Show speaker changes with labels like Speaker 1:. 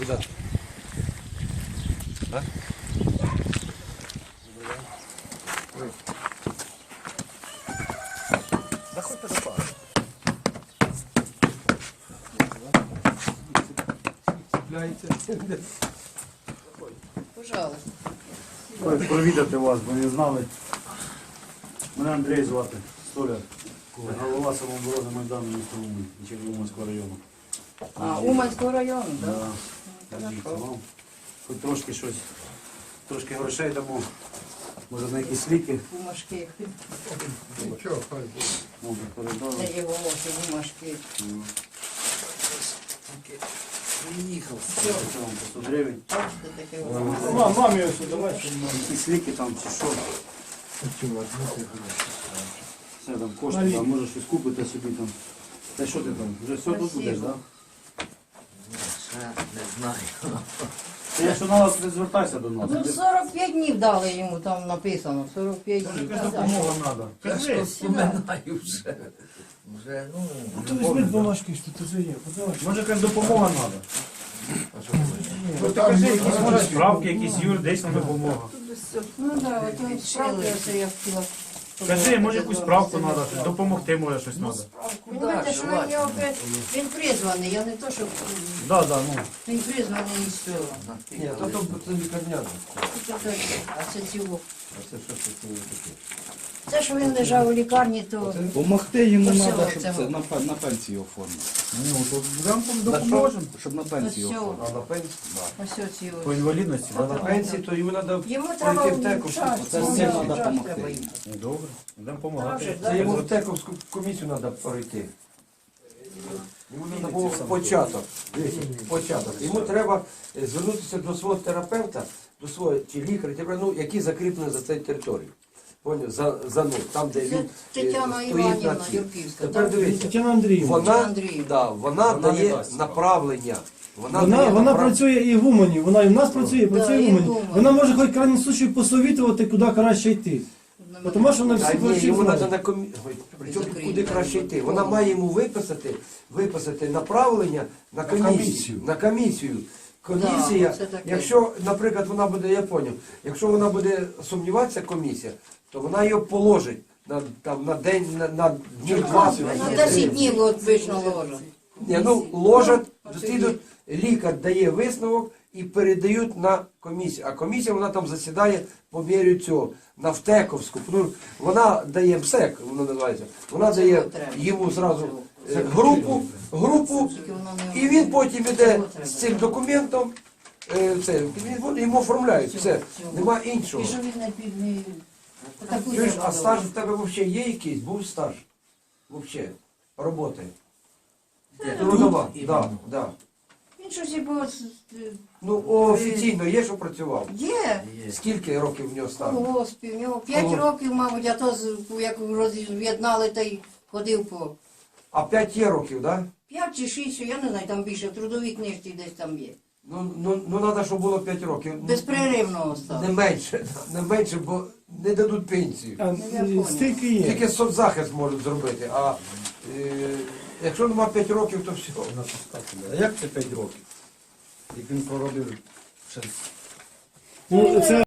Speaker 1: Куди? А? Заходьте до пари.
Speaker 2: Пожалуйста.
Speaker 3: Провідати вас, бо не знали. Мене Андрій звати, столяр. Голова самооборони Майдану міста Умань, Уманського району.
Speaker 2: А, Уманського району, так?
Speaker 3: Да. Вам хоч трошки щось, трошки грошей дамо, може на якісь ліки.
Speaker 2: Бумажки.
Speaker 1: Нічого, хай буде.
Speaker 3: Передали.
Speaker 2: Це його очі, бумажки.
Speaker 3: Приїхав. Це вам по 100 гривень.
Speaker 2: Бачите, таке воно.
Speaker 3: Мамі ось давай, якісь ліки там чи що. Все там кошти, там може щось купити собі там. Та що ти там? Вже все тут будеш, так?
Speaker 1: Ще не знаю.
Speaker 3: Якщо треба, ти звертайся до нас.
Speaker 2: Ну, 45 днів дали йому, там написано, 45 днів.
Speaker 3: Якась допомога треба.
Speaker 1: Я ж вспоминаю вже. Вже, ну...
Speaker 4: Ти візьми бумажки, що тут вже є. Подавай.
Speaker 3: Може якась допомога треба.
Speaker 4: Ну, там є
Speaker 3: Може справки, якісь юридична допомога.
Speaker 2: Ну так, от ось справки, це я хотіла.
Speaker 3: Кажи, може якусь справку треба, допомогти може щось треба.
Speaker 2: Понимаєте, що він, його, він призваний, я не то, що
Speaker 3: Да, да, ну.
Speaker 2: він призваний із села.
Speaker 1: Ні, то це лікарняно.
Speaker 2: А це цього.
Speaker 1: А це що це таке?
Speaker 2: Це, що він лежав у лікарні, то
Speaker 5: Помогти йому
Speaker 2: Ось
Speaker 5: треба,
Speaker 2: цього,
Speaker 5: щоб
Speaker 2: цього.
Speaker 5: це на пенсію оформити.
Speaker 3: Ну, то нам допоможемо.
Speaker 5: Щоб на
Speaker 2: ось
Speaker 5: пенсію
Speaker 2: цього,
Speaker 5: оформити.
Speaker 1: А на пенсії?
Speaker 2: ось ці
Speaker 3: По
Speaker 2: ось.
Speaker 3: інвалідності,
Speaker 1: А
Speaker 3: да?
Speaker 1: на пенсії, то йому треба
Speaker 2: Йому треба
Speaker 1: пройти в теку.
Speaker 5: Це всім треба допомогти.
Speaker 3: Добре, будемо допомагати.
Speaker 1: Це йому в тековську комісію треба пройти. Йому треба було початок. Дивіться, початок. Йому треба звернутися до свого терапевта, до свого чи лікаря, ну, який закріплений за цією територією. Поняв? За ну, там, де
Speaker 2: Це
Speaker 1: він
Speaker 2: Тетяна
Speaker 1: стоїть
Speaker 2: Іванівна
Speaker 1: на цій.
Speaker 2: Юрківська.
Speaker 1: Тепер
Speaker 2: так?
Speaker 1: дивіться,
Speaker 4: Тетяна Андріївна.
Speaker 1: вона
Speaker 2: Вона
Speaker 1: дає
Speaker 3: дасть.
Speaker 1: направлення.
Speaker 4: Вона працює і в Умані, вона і в нас працює, і працює
Speaker 2: і
Speaker 4: в
Speaker 2: в
Speaker 4: Умані.
Speaker 2: Умані.
Speaker 4: Вона може хоч в крайньому случаю посовітувати, куди краще йти. Тому що вона
Speaker 1: Та
Speaker 4: всіх
Speaker 1: ні,
Speaker 4: врачів
Speaker 1: йому треба
Speaker 4: знає.
Speaker 1: на комісію. Причому
Speaker 2: Закрити.
Speaker 1: куди краще йти? Вона має йому виписати направлення на комісію. На комісію. Комісія,
Speaker 2: Да, це таке.
Speaker 1: якщо, наприклад, вона буде, я поняв, якщо вона буде сумніватися, комісія, то вона його положить на день, на днів 20.
Speaker 2: На 10 днів от вийшло ложа.
Speaker 1: Ні, ну ложать, дослідують, лікар дає висновок і передають на комісію. А комісія, вона там засідає по мірі цього, на ВТЕКовську. Ну, вона дає МСЕК, воно називається. Вона
Speaker 2: Це
Speaker 1: дає
Speaker 2: треба.
Speaker 1: йому зразу групу,
Speaker 2: Тільки воно не-
Speaker 1: і він потім іде
Speaker 2: Цього треба.
Speaker 1: з цим документом, йому оформляють, все, нема іншого.
Speaker 2: І що він не під... не- Таку
Speaker 1: Чуєш,
Speaker 2: треба
Speaker 1: а стаж
Speaker 2: було.
Speaker 1: в тебе взагалі є якийсь? Був стаж? Взагалі, роботи? Трудова, так, так.
Speaker 2: Він щось і було...
Speaker 1: Ну, офіційно є, що працював?
Speaker 2: Є.
Speaker 1: Скільки років в нього
Speaker 2: У
Speaker 1: стажу?
Speaker 2: госпі, в нього 5
Speaker 1: Ого.
Speaker 2: років, мабуть, а то як роз'єднали, та й ходив по...
Speaker 1: А 5 є років, так?
Speaker 2: 5 чи 6, я не знаю, там більше, в трудовій книжці десь там є.
Speaker 1: Ну, треба, щоб було 5 років.
Speaker 2: Безперервного став.
Speaker 1: Не менше, бо не дадуть пенсію.
Speaker 4: А, стільки є.
Speaker 1: Тільки соцзахист можуть зробити, а якщо нема 5 років, то все.
Speaker 5: А як це 5 років? Як він проробив ще
Speaker 4: Ну, це